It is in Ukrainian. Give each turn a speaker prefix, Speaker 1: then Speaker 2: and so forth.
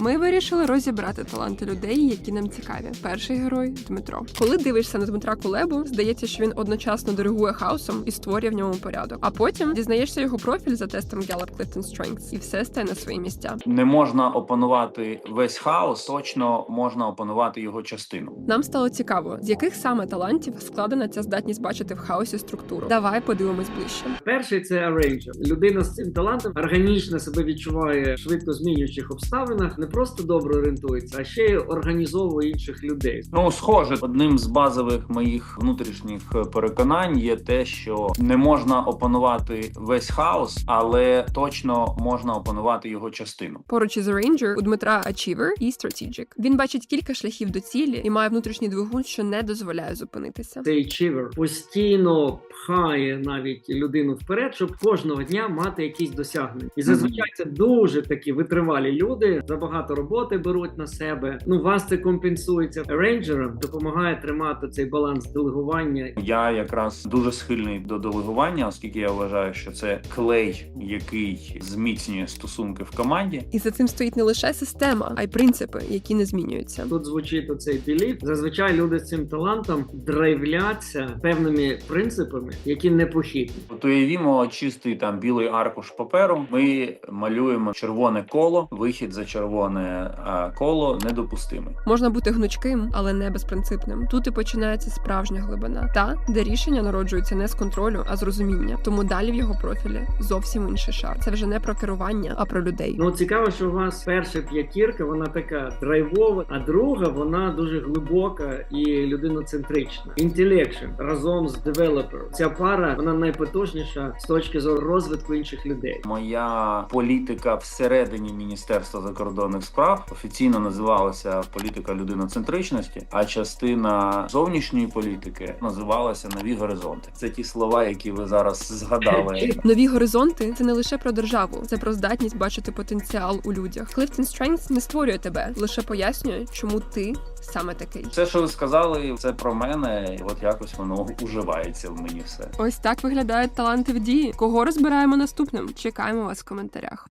Speaker 1: Ми вирішили розібрати таланти людей, які нам цікаві. Перший герой – Дмитро. Коли дивишся на Дмитра Кулебу, здається, що він одночасно диригує хаосом і створює в ньому порядок. А потім дізнаєшся його профіль за тестом Gallup-Clifton Strengths, і все стає на свої місця.
Speaker 2: Не можна опанувати весь хаос, точно можна опанувати його частину.
Speaker 1: Нам стало цікаво, з яких саме талантів складена ця здатність бачити в хаосі структуру. Давай подивимось ближче.
Speaker 3: Перший – це арейнджер. Людина з цим талантом органічно себе відчуває в швидко змінюючих обставинах, не просто добре орієнтується, а ще й організовує інших людей.
Speaker 2: Ну, схоже, одним з базових моїх внутрішніх переконань є те, що не можна опанувати весь хаос, але точно можна опанувати його частину.
Speaker 1: Поруч із Ranger у Дмитра Achiever і Strategic. Він бачить кілька шляхів до цілі і має внутрішній двигун, що не дозволяє зупинитися.
Speaker 3: Цей Achiever постійно пхає навіть людину вперед, щоб кожного дня мати якісь досягнення. І зазвичай це дуже такі витривалі люди, забагато роботи беруть на себе. Ну, вас це компенсується. Рейнджерам допомагає тримати цей баланс делегування.
Speaker 2: Я якраз дуже схильний до делегування, оскільки я вважаю, що це клей, який зміцнює стосунки в команді.
Speaker 1: І за цим стоїть не лише система, а й принципи, які не змінюються.
Speaker 3: Тут звучить оцей біліф. Зазвичай люди з цим талантом драйвляться певними принципами, які непохитні.
Speaker 2: От уявімо чистий там білий аркуш паперу. Ми малюємо червоне коло. Вихід за червоне коло недопустимий.
Speaker 1: Можна бути гнучким, але не безпринципним. Тут і починається справжня глибина. Та, де рішення народжуються не з контролю, а з розуміння. Тому далі в його профілі зовсім інший шар. Це вже не про керування, а про людей.
Speaker 3: Ну, цікаво, що у вас перша п'ятірка, вона така драйвова, а друга, вона дуже глибока і людиноцентрична. Intellection разом з developer. Ця пара, вона найпотужніша з точки зору розвитку інших людей.
Speaker 2: Моя політика всередині Міністерства закордонних справ офіційно називалася політика людиноцентричності, а частина зовнішньої політики називалася «Нові горизонти». Це ті слова, які ви зараз згадали.
Speaker 1: Нові горизонти – це не лише про державу, це про здатність бачити потенціал у людях. Clifton Strengths не створює тебе, лише пояснює, чому ти саме такий.
Speaker 2: Все, що ви сказали, це про мене, і от якось воно уживається в мені все.
Speaker 1: Ось так виглядають таланти в дії. Кого розбираємо наступним? Чекаємо вас в коментарях.